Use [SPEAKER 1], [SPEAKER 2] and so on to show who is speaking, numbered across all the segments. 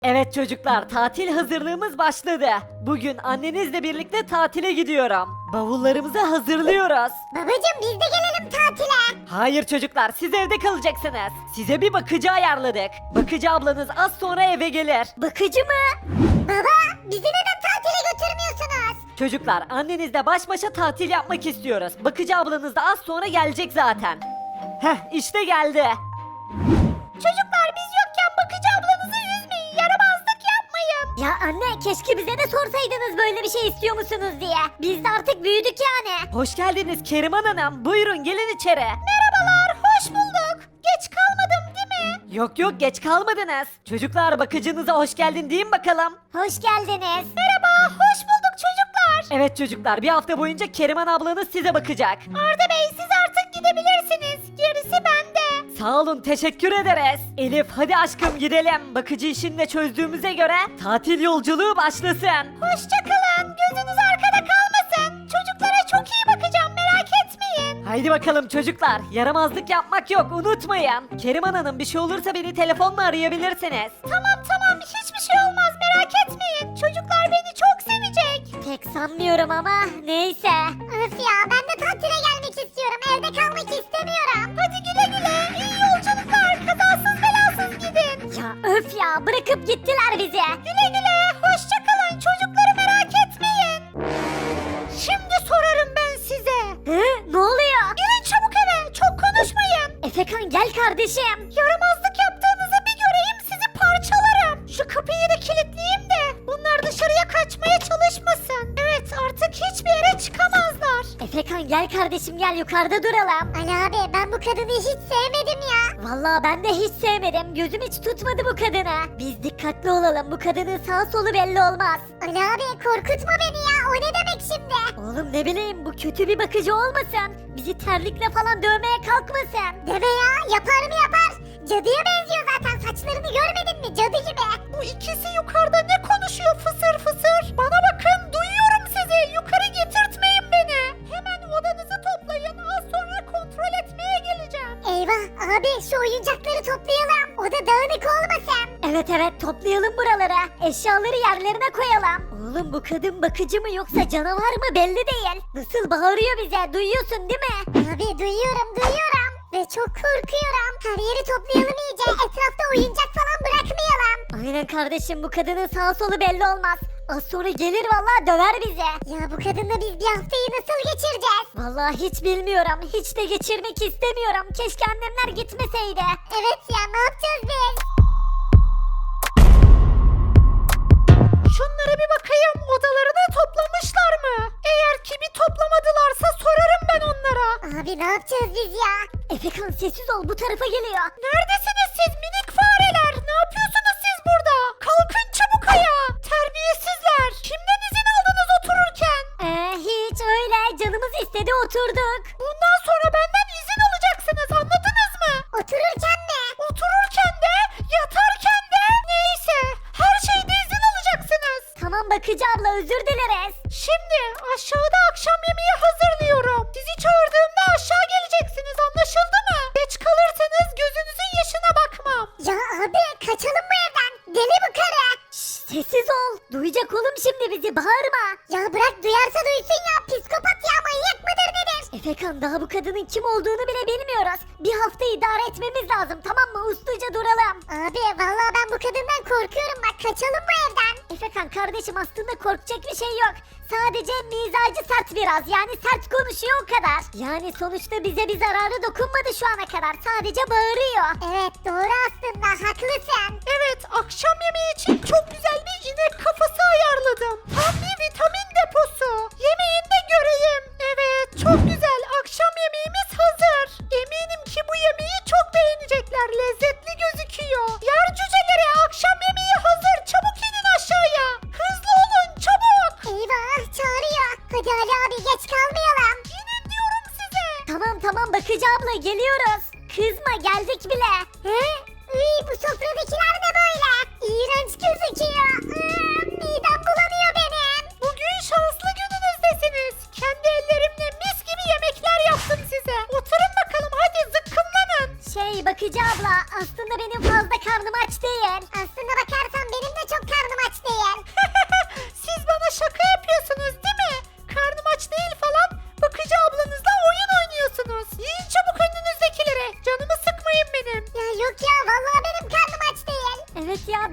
[SPEAKER 1] Evet çocuklar, tatil hazırlığımız başladı. Bugün annenizle birlikte tatile gidiyorum. Bavullarımızı hazırlıyoruz.
[SPEAKER 2] Babacım biz de gelelim tatile.
[SPEAKER 1] Hayır çocuklar, siz evde kalacaksınız. Size bir bakıcı ayarladık. Bakıcı ablanız az sonra eve gelir.
[SPEAKER 2] Bakıcı mı? Baba bizi neden tatile götürmüyorsunuz?
[SPEAKER 1] Çocuklar, annenizle baş başa tatil yapmak istiyoruz. Bakıcı ablanız da az sonra gelecek zaten. Heh, işte geldi.
[SPEAKER 2] Çocuklar biz yokken bakıcı ablanızı üzmeyin, yaramazlık yapmayın. Ya anne keşke bize de sorsaydınız böyle bir şey istiyor musunuz diye. Biz de artık büyüdük yani.
[SPEAKER 1] Hoş geldiniz Keriman Hanım. Buyurun gelin içeri.
[SPEAKER 2] Merhabalar, hoş bulduk. Geç kalmadım değil mi?
[SPEAKER 1] Yok yok, geç kalmadınız. Çocuklar, bakıcınıza hoş geldin deyin bakalım.
[SPEAKER 2] Hoş geldiniz. Merhaba, hoş bulduk çocuklar.
[SPEAKER 1] Evet çocuklar, bir hafta boyunca Keriman ablanız size bakacak.
[SPEAKER 2] Arda Bey siz artık gidebilirsiniz. Gerisi bende.
[SPEAKER 1] Sağ olun, teşekkür ederiz. Elif hadi aşkım gidelim. Bakıcı işini de çözdüğümüze göre tatil yolculuğu başlasın.
[SPEAKER 2] Hoşçakalın. Gözünüz arkada kalmasın. Çocuklara çok iyi bakacağım, merak etmeyin.
[SPEAKER 1] Haydi bakalım çocuklar, yaramazlık yapmak yok, unutmayın. Keriman Hanım, bir şey olursa beni telefonla arayabilirsiniz.
[SPEAKER 2] Tamam hiçbir şey olmaz, merak etmeyin. Çocuklar beni çok sevecek. Pek sanmıyorum ama neyse. Öf ya, ben de tatile gelmek istiyorum. Evde kalmak istemiyorum. Hadi güle güle. İyi yolculuklar. Kazasız belasız gidin. Ya öf ya, bırakıp gittiler bizi. Güle güle. Hoşçakalın. Çocukları merak etmeyin. Şimdi sorarım ben size. Ne oluyor? Girin çabuk eve. Çok konuşmayın. Efekan gel kardeşim. Yaramazlık yaptığınızı bir göreyim, sizi parçalarım. Şu kapıyı da kilitleyeyim de bunlar dışarıya kaçmaya çalışmasın. Evet, artık hiçbir yere çıkamazlar. Efekan gel kardeşim, gel yukarıda duralım. Ali abi ben bu kadını hiç sevmedim ya. Vallahi ben de hiç sevmedim. Gözüm hiç tutmadı bu kadını. Biz dikkatli olalım, bu kadının sağ solu belli olmaz. Ali abi korkutma beni ya, o ne demek şimdi? Oğlum ne bileyim, bu kötü bir bakıcı olmasın. Bizi terlikle falan dövmeye kalkmasın. Deme ya, yapar mı yapar. Cadıya benziyor zaten, saçlarını görmedin mi, cadı gibi. Bu ikisi yukarıda ne konuşuyor fısır fısır? Bana bakın, duyuyorum sizi, yukarı getirtmeyin beni. Hemen odanızı toplayın, az sonra kontrol etmeye geleceğim. Eyvah abi, şu oyuncakları toplayalım, oda dağınık olmasın. Evet toplayalım buralara, eşyaları yerlerine koyalım. Oğlum bu kadın bakıcı mı yoksa canavar mı belli değil. Nasıl bağırıyor bize, duyuyorsun değil mi? Abi duyuyorum. Ve çok korkuyorum. Her yeri toplayalım iyice. Etrafta oyuncak falan bırakmayalım. Aynen kardeşim, bu kadının sağ solu belli olmaz. Az sonra gelir vallahi döver bizi. Ya bu kadınla biz bir haftayı nasıl geçireceğiz? Vallahi hiç bilmiyorum. Hiç de geçirmek istemiyorum. Keşke annemler gitmeseydi. Evet ya, ne yapacağız biz? Şunlara bir bakayım, odalarını toplamışlar mı? Eğer ki bir toplamadılarsa sorarım ben onlara. Abi ne yapacağız biz ya? Efekan sessiz ol, bu tarafa geliyor. Neredesiniz siz minik fareler? Ne yapıyorsunuz siz burada? Kalkın çabuk ayağa. Terbiyesizler. Kimden izin aldınız otururken? Hiç öyle, canımız istedi oturduk. Bundan sonra benden izin alacaksınız, anladınız mı? Otururken mi? Otururken de, yatarken de, neyse. Her şeyde izin alacaksınız. Tamam bakıcı abla, özür dileriz. Şimdi aşağıda akşam yemeği hazırlıyorum. Sizi çağırdığımda aşağı geleceksiniz, anlaşıldı mı? Geç kalırsanız gözünüzün yaşına bakmam. Ya abi kaçalım bu evden. Deli bu karı. Sessiz ol. Duyacak oğlum şimdi bizi, bağırma. Ya bırak, duyarsa duysun ya. Psikopat ya, manyak mıdır nedir? Efekan, daha bu kadının kim olduğunu bile bilmiyoruz. Bir hafta idare etmemiz lazım, tamam mı? Usluca duralım. Abi vallahi ben bu kadından korkuyorum, bak kaçalım bu evden. Efekan kardeşim, aslında korkacak bir şey yok. Sadece mizacı sert biraz, yani sert konuşuyor o kadar. Yani sonuçta bize bir zararı dokunmadı şu ana kadar, sadece bağırıyor. Evet doğru, aslında haklısın. Evet, akşam yemeği için çok güzel bir inek kafası ayarladım. Tam bir vitamin deposu. Yemeğini de göreyim. Evet, çok güzel, akşam yemeğimiz hazır. Eminim ki bu yemeği çok beğenecekler, lezzetli gözüküyor. Yer cüceleri, akşam yemeği hazır, çabuk inin aşağıya. Hızlı olun, çabuk. Eyvah, çağırıyor. Hadi Ali abi, geç kalmayalım. İnin diyorum size. Tamam bakıcı abla, geliyoruz. Kızma, geldik bile. He? Bu sofradakiler ne böyle?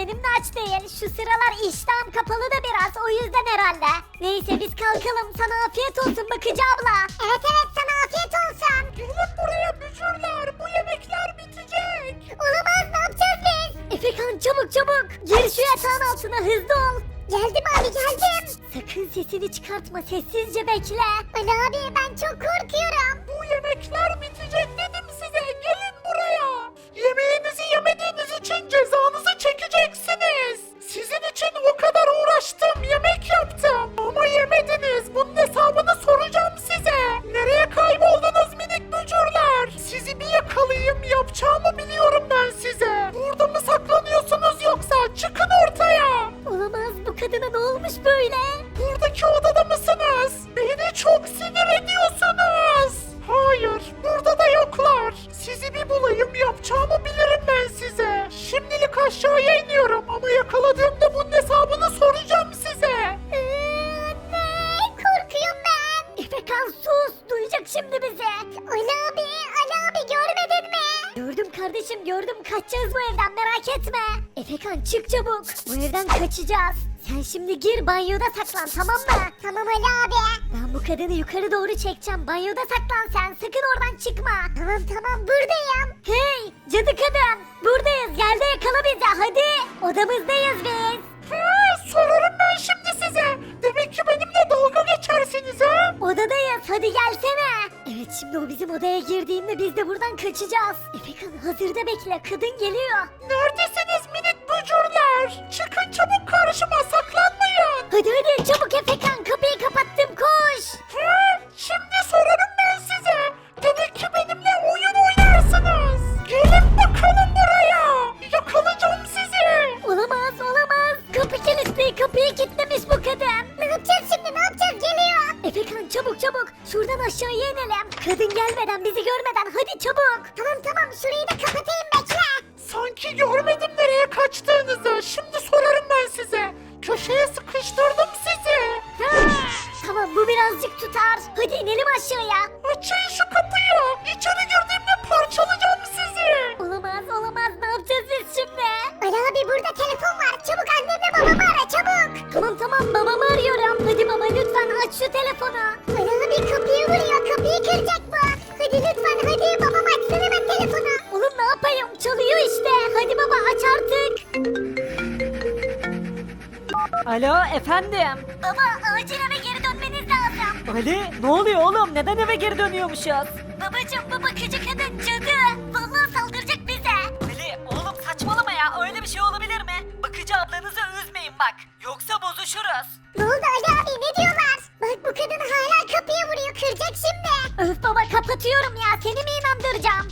[SPEAKER 2] benim de aç değil. Şu sıralar iştahım kapalı da biraz o yüzden herhalde. Neyse biz kalkalım. Sana afiyet olsun Bakıcı abla. Evet sana afiyet olsun. Gelin buraya bücürler. Bu yemekler bitecek. Olamaz ne yapacağız biz? Efekan çabuk. Gir şu yatağın altına hızlı ol. Geldim abi geldim. Sakın sesini çıkartma sessizce bekle. Ali abi ben çok korkuyorum.
[SPEAKER 3] Bu yemekler bitecek dedim size. Gelin buraya. Yemeğinizi yemediğiniz için cezanızı çekeceksiniz. Sizin için o kadar uğraştım, yemek yaptım. Ama yemediniz. Bunun hesabını soracağım size. Nereye kayboldunuz minik bücürler? Sizi bir yakalayayım, yapacağımı biliyorum ben size. Burada mı saklanıyorsunuz yoksa? Çıkın ortaya.
[SPEAKER 2] Olamaz bu kadına ne olmuş böyle?
[SPEAKER 3] Buradaki odada mısınız? Beni çok sinir ediyorsunuz. Hayır, burada da yoklar. Sizi bir bulayım, yapacağımı bilirim ben size. Şimdilik aşağıya iniyorum ama yakaladığımda bunun hesabını soracağım size.
[SPEAKER 2] Ne? Korkuyorum ben. Efekan sus. Duyacak şimdi bizi. Ali abi görmedin mi? Gördüm kardeşim gördüm. Kaçacağız bu evden merak etme. Efekan çık çabuk. Bu evden kaçacağız. Sen şimdi gir banyoda saklan tamam mı? Tamam Ali abi. Ben bu kadını yukarı doğru çekeceğim. Banyoda saklan sen. Sakın oradan çıkma. Tamam buradayım. Hey cadı kadın. Buradayız. Gel de yakala bizi hadi. Odamızdayız biz.
[SPEAKER 3] Sorarım ben şimdi size. Demek ki benimle dalga geçersiniz ha?
[SPEAKER 2] Odadayız hadi gelsene. Evet şimdi o bizim odaya girdiğinde biz de buradan kaçacağız. Efekan hazırda bekle kadın geliyor.
[SPEAKER 3] Neredesiniz minik bücürler? Çıkın çabuk karşıma, saklanmayın.
[SPEAKER 2] Hadi çabuk Efekan kapıyı kapattım koş.
[SPEAKER 3] Şimdi sorarım ben size. Demek ki benimle oyun oynarsınız. Gelin bakalım buraya. Yakalayacağım sizi.
[SPEAKER 2] Olamaz. Kapı kilitli kapıyı kilitlemiş bu kadın. Ne yapacağız şimdi geliyor. Efekan çabuk şuradan aşağıya inelim. Kadın gelmeden bizi görmeden hadi çabuk. Tamam şurayı da kapatayım bekle.
[SPEAKER 3] Sanki görmedim nereye kaçtığınızı. Şimdi sorarım ben size. Köşeye sıkıştırdım sizi.
[SPEAKER 2] Tamam bu birazcık tutar. Hadi inelim aşağıya.
[SPEAKER 3] Açın şu kapıyı. İçeri girdiğimde parçalayacağım sizi.
[SPEAKER 2] Olamaz ne yapacağız biz şimdi? Ali abi burada telefon var çabuk annemle babamı ara çabuk. Tamam babamı arıyorum. Hadi baba lütfen aç şu telefonu. Ali abi kapıyı vuruyor kapıyı kıracak bu. Hadi lütfen hadi babam açsın hemen telefonu. Oğlum ne yapayım çalıyor işte. Hadi baba aç artık.
[SPEAKER 1] Alo efendim.
[SPEAKER 2] Baba acil eve geri dönmeniz lazım.
[SPEAKER 1] Ali ne oluyor oğlum? Neden eve geri dönüyormuşuz?
[SPEAKER 2] Babacım bu bakıcı kadın cadı. Vallahi saldıracak bize.
[SPEAKER 1] Ali oğlum saçmalama ya. Öyle bir şey olabilir mi? Bakıcı ablanızı üzmeyin bak. Yoksa bozuşuruz.
[SPEAKER 2] Ne oldu Ali abi ne diyorlar? Bak bu kadın hala kapıya vuruyor kıracak şimdi. Öf baba kapatıyorum ya seni mi inandıracağım?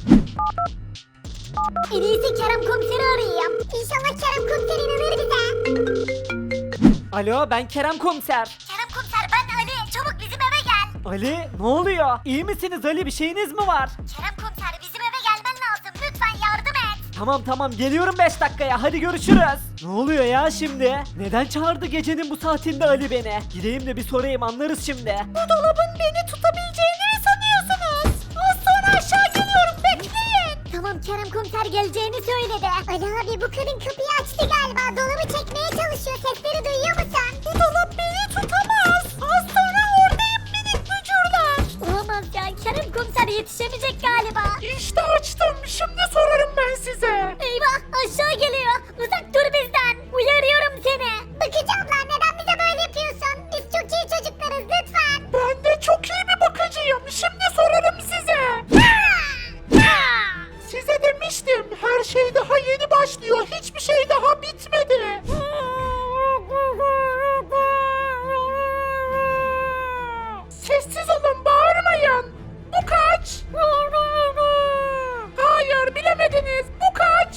[SPEAKER 2] En iyisi Kerem komiseri arayayım. İnşallah Kerem komiser inanır bize.
[SPEAKER 1] Alo ben Kerem komiser.
[SPEAKER 2] Kerem komiser ben Ali çabuk bizim eve gel.
[SPEAKER 1] Ali ne oluyor? İyi misiniz Ali? Bir şeyiniz mi var?
[SPEAKER 2] Kerem komiser bizim eve gelmen lazım lütfen yardım et.
[SPEAKER 1] Tamam geliyorum 5 dakikaya. Hadi görüşürüz. Ne oluyor ya şimdi? Neden çağırdı gecenin bu saatinde Ali beni? Gideyim de bir sorayım anlarız şimdi.
[SPEAKER 2] Bu dolabın beni tutabileceğini mi sanıyorsunuz? Az sonra aşağı geliyorum bekleyin. Tamam Kerem komiser geleceğini söyledi. Ali abi bu kadın kapıyı açtı galiba. Dolabı çekmeye çalışıyor. Sesleri duyuyor musun? Bu dolap beni tutamaz. Az sonra oradayım minik bücürler. Olamaz ya Kerem komiser yetişemeyecek galiba.
[SPEAKER 3] İşte açtım. Şimdi sorarım ben size.
[SPEAKER 2] Eyvah aşağı geliyor. Uzak dur bizden. Uyarıyorum seni. Bakıcı abla neden bize böyle yapıyorsun? Biz çok iyi çocuklarız lütfen.
[SPEAKER 3] Ben de çok iyi bir bakıcıyım. Şimdi sorarım size. Size demiştim. Her şey daha yeni başlıyor. Hiçbir şey daha bitmedi. Sessiz olun, bağırmayın. Bu kaç? Hayır, bilemediniz. Bu kaç?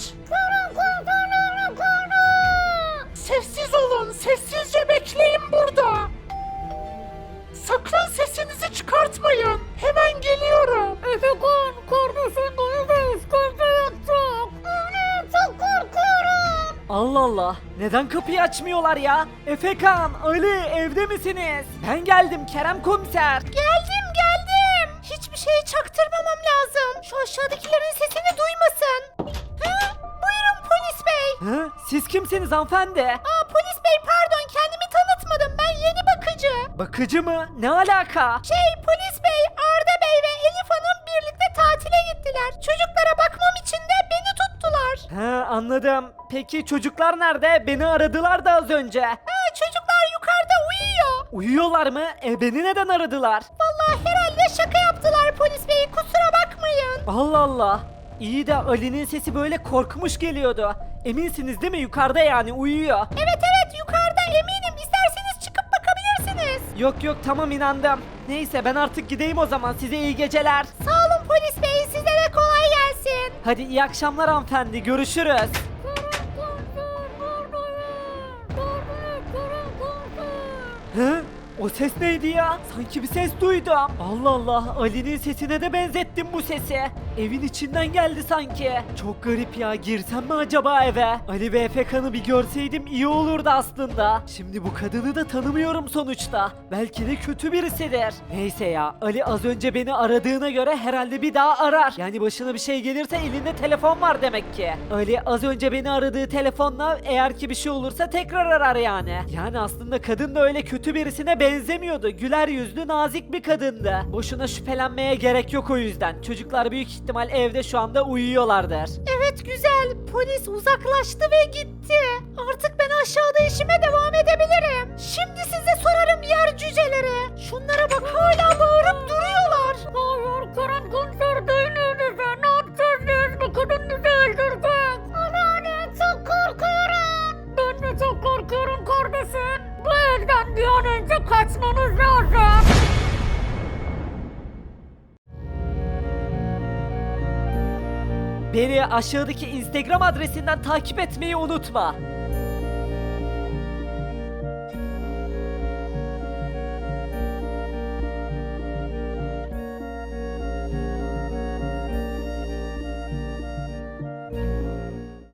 [SPEAKER 3] Sessiz olun, sessizce bekleyin burada. Sakın sesinizi çıkartmayın. Hemen geliyorum.
[SPEAKER 2] Efekan kardeşin duyuyoruz. Çok korkuyorum.
[SPEAKER 1] Allah Allah. Neden kapıyı açmıyorlar ya? Efekan, Ali evde misiniz? Ben geldim Kerem komiser.
[SPEAKER 2] Geldim. Hiçbir şeyi çaktırmamam lazım. Şu aşağıdakilerin sesini duymasın. Buyurun polis bey.
[SPEAKER 1] Hı? Siz kimsiniz hanımefendi?
[SPEAKER 2] Polis bey pardon kendimi tanıtmadım. Ben yeni bakıcı.
[SPEAKER 1] Bakıcı mı? Ne alaka?
[SPEAKER 2] Polis bey Arda Bey ve Elif Hanım birlikte tatile gittiler. Çocuklara bakmam için de beni tuttular.
[SPEAKER 1] He anladım. Peki çocuklar nerede? Beni aradılar da az önce.
[SPEAKER 2] Çocuklar yukarıda uyuyor.
[SPEAKER 1] Uyuyorlar mı? Beni neden aradılar?
[SPEAKER 2] Vallahi herhalde şaka yaptılar polis bey. Kusura bakmayın.
[SPEAKER 1] Allah Allah. İyi de Ali'nin sesi böyle korkmuş geliyordu. Eminsiniz değil mi? Yukarıda yani uyuyor.
[SPEAKER 2] Evet yukarıda eminim. İsterseniz çıkıp bakabilirsiniz.
[SPEAKER 1] Yok yok tamam inandım. Neyse ben artık gideyim o zaman. Size iyi geceler.
[SPEAKER 2] Sağ olun polis bey. Size de kolay gelsin.
[SPEAKER 1] Hadi iyi akşamlar hanımefendi. Görüşürüz. Hı? O ses neydi ya? Sanki bir ses duydum. Allah Allah, Ali'nin sesine de benzettim bu sesi. Evin içinden geldi sanki. Çok garip ya, girsem mi acaba eve? Ali ve Efekan'ı bir görseydim iyi olurdu aslında. Şimdi bu kadını da tanımıyorum sonuçta. Belki de kötü birisidir. Neyse ya, Ali az önce beni aradığına göre herhalde bir daha arar. Yani başına bir şey gelirse elinde telefon var demek ki. Ali az önce beni aradığı telefonla eğer ki bir şey olursa tekrar arar yani. Yani aslında kadın da öyle kötü birisine benzemiyordu. Güler yüzlü, nazik bir kadındı. Boşuna şüphelenmeye gerek yok o yüzden. Çocuklar büyük ihtimal evde şu anda uyuyorlardır.
[SPEAKER 2] Evet güzel. Polis uzaklaştı ve gitti. Artık ben aşağıda işime devam edebilirim. Şimdi size sorarım yer cüceleri. Şunlara bak hala bağırıp duruyorlar. Hayır Kerem komiser değneğinize. Ne yapacağız biz? Bu kadın bizi öldürecek. Anneanne çok korkuyorum. Ben de çok korkuyorum kardeşim. Bu evden bir an önce kaçmamız lazım.
[SPEAKER 1] Beni aşağıdaki Instagram adresinden takip etmeyi unutma.